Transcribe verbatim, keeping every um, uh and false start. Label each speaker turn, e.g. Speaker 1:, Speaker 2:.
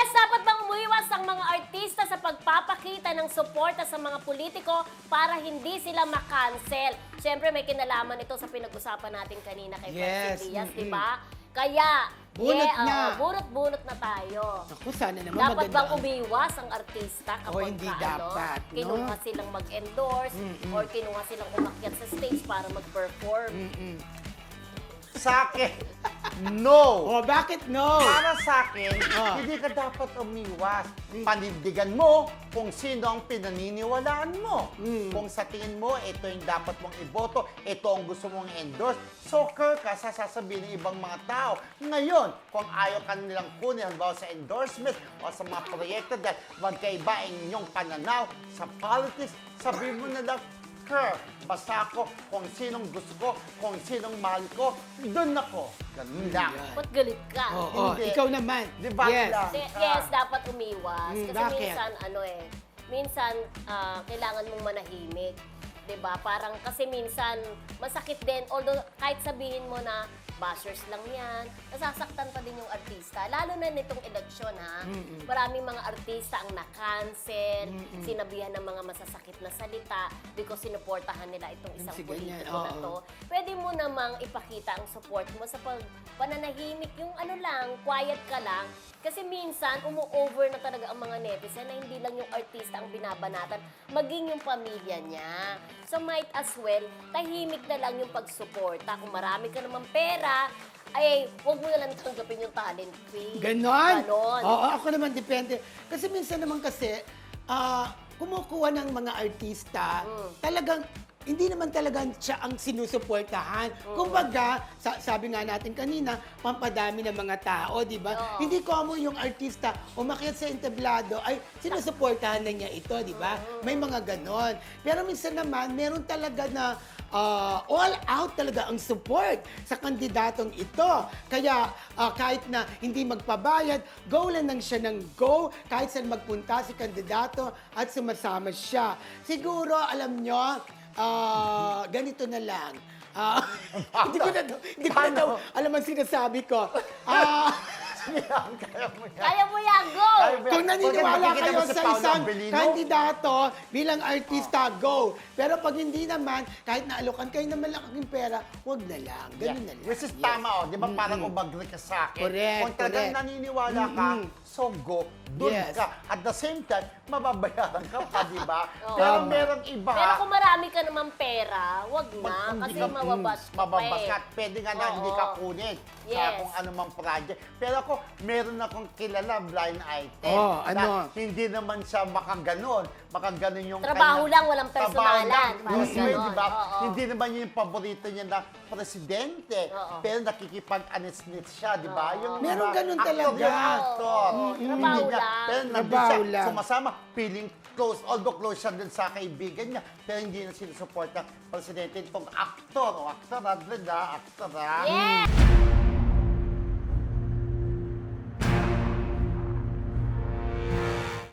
Speaker 1: dapat bang umiwas ang mga artista sa pagpapakita ng suporta sa mga politiko para hindi sila makancel? Siyempre, may kinalaman ito sa pinag-usapan natin kanina kay
Speaker 2: Yes,
Speaker 1: Francis Diaz,
Speaker 2: mm-mm.
Speaker 1: di ba? Kaya,
Speaker 2: Bunot
Speaker 1: yeah,
Speaker 2: na.
Speaker 1: oo, bunot-bunot na tayo.
Speaker 2: Ako, sana naman
Speaker 1: Dapat
Speaker 2: maganda
Speaker 1: bang
Speaker 2: ang-
Speaker 1: umiwas ang artista kapag
Speaker 2: hindi
Speaker 1: ka,
Speaker 2: dapat,
Speaker 1: ano,
Speaker 2: no?
Speaker 1: kinuha silang mag-endorse
Speaker 2: Mm-mm.
Speaker 1: or kinuha silang umakyat sa stage para mag-perform?
Speaker 2: Mm-mm.
Speaker 3: Sa akin, no.
Speaker 2: Oh, bakit no?
Speaker 3: Para sa akin,
Speaker 2: Ah.
Speaker 3: hindi ka dapat umiwas. Panindigan mo kung sino ang pinaniniwalaan mo.
Speaker 2: Mm.
Speaker 3: Kung sa tingin mo, ito yung dapat mong iboto, ito ang gusto mong endorse, soccer ka sa sasabihin ng ibang mga tao. Ngayon, kung ayaw ka nilang kunin, halimbawa sa endorsement o sa mga proyekto dahil magkaiba ang inyong pananaw sa politics, sabihin mo na lang, Kerr, basta ako kung sinong gusto ko, kung sinong mahal ko, doon ako. Ganun lang.
Speaker 2: Yeah.
Speaker 1: Ba't galit ka?
Speaker 2: Oo, oh,
Speaker 3: Hindi.
Speaker 2: ikaw naman.
Speaker 3: Di ba
Speaker 2: Yes.
Speaker 3: lang?
Speaker 1: Kasi, yes, dapat umiwas.
Speaker 2: Mm,
Speaker 1: Kasi
Speaker 2: bakit?
Speaker 1: minsan, ano eh, minsan, ah, kailangan mong manahimik. 'Di ba? Parang, kasi minsan, masakit din. Although, kahit sabihin mo na, bashers lang yan, nasasaktan pa din yung artista. Lalo na nitong eleksyon, ha?
Speaker 2: Mm-mm.
Speaker 1: Maraming mga artista ang na-cancel,
Speaker 2: Mm-mm.
Speaker 1: sinabihan ng mga masasakit na salita because sinuportahan nila itong isang
Speaker 2: Si
Speaker 1: politiko
Speaker 2: ganyan,
Speaker 1: na
Speaker 2: oo.
Speaker 1: to. Pwede mo namang ipakita ang support mo sa pag pananahimik, yung ano lang, quiet ka lang. Kasi minsan, umu-over na talaga ang mga netizen na hindi lang yung artista ang binabanatan, maging yung pamilya niya. So might as well, tahimik na lang yung pagsuporta. Kung marami ka namang pera, ay, huwag mo na lang tanggapin yung talent fee.
Speaker 2: Ganon?
Speaker 1: Ganon.
Speaker 2: Oo, ako naman depende. Kasi minsan naman kasi, ah, kumukuha ng mga artista,
Speaker 1: Mm.
Speaker 2: talagang hindi naman talaga siya ang sinusuportahan. Kumbaga, sa, sabi nga natin kanina, pampadami ng mga tao, di ba?
Speaker 1: Oo.
Speaker 2: Hindi common yung artista umakyat sa entablado, ay sinusuportahan na niya ito, di ba? May mga ganon. Pero minsan naman, meron talaga na ah, all out talaga ang support sa kandidatong ito. Kaya ah, kahit na hindi magpabayad, go lang lang siya ng go, kahit saan magpunta si kandidato at sumasama siya. Siguro, alam nyo, Ah, ganito na lang. Ah, hindi ko na, hindi ko na daw alam ang sinasabi ko. Ah,
Speaker 3: Kaya mo yan.
Speaker 1: Kaya mo yan, go!
Speaker 3: Kaya mo yan.
Speaker 2: kung naniniwala
Speaker 3: Bakit
Speaker 2: kayo
Speaker 3: nakikita mo si
Speaker 2: sa
Speaker 3: Paolo
Speaker 2: isang
Speaker 3: Abilino?
Speaker 2: kandidato bilang artista, go. Pero pag hindi naman, kahit naalokan kayo ng malaking pera, wag na lang. Ganun na lang.
Speaker 3: Which is
Speaker 2: Yes.
Speaker 3: tama, oh. Di ba parang umagri ka sa akin?
Speaker 2: Correct,
Speaker 3: Kung talagang
Speaker 2: correct.
Speaker 3: naniniwala ka,
Speaker 2: Mm-mm.
Speaker 3: so go, dun
Speaker 2: Yes.
Speaker 3: ka. At the same time, mababayaran ka pa, di ba?
Speaker 1: Oo.
Speaker 3: Pero
Speaker 2: Tama.
Speaker 3: merong iba,
Speaker 1: Pero kung marami ka namang pera, wag na.
Speaker 3: Pag-
Speaker 1: Kasi
Speaker 3: hindi ka-
Speaker 1: mababas ka pa
Speaker 3: mababas
Speaker 1: eh.
Speaker 3: ka. At pwede nga na
Speaker 1: Oo.
Speaker 3: hindi ka kunin sa
Speaker 1: Yes.
Speaker 3: kung anumang project. Pero ako, meron akong kilala, blind item.
Speaker 2: Oh,
Speaker 3: na
Speaker 2: ano?
Speaker 3: Hindi naman siya makaganon. Makaganon yung
Speaker 1: Trabaho
Speaker 3: kanya-
Speaker 1: lang, walang
Speaker 3: Trabaho
Speaker 1: personalan.
Speaker 3: lang.
Speaker 1: Parang
Speaker 3: Gusto
Speaker 1: ganon.
Speaker 3: yun, di ba?
Speaker 1: Oo.
Speaker 3: Hindi naman yun yung paborito niya na presidente.
Speaker 1: Oo.
Speaker 3: Pero nakikipag-anisnit siya, di ba?
Speaker 1: Oo.
Speaker 3: Yung,
Speaker 2: Meron
Speaker 3: diba,
Speaker 2: ganun
Speaker 3: actor
Speaker 2: talaga.
Speaker 3: yung actor.
Speaker 1: Oo.
Speaker 3: Hindi
Speaker 1: Trabaho
Speaker 3: niya-
Speaker 1: lang.
Speaker 3: Pero nandun
Speaker 2: Trabaho
Speaker 3: siya,
Speaker 2: lang.
Speaker 3: sumasama, feeling close. Although close siya dun sa kaibigan niya, pero hindi na sinusupport ng presidente itong actor o actor, ha? Actor, ha?
Speaker 1: Yeah!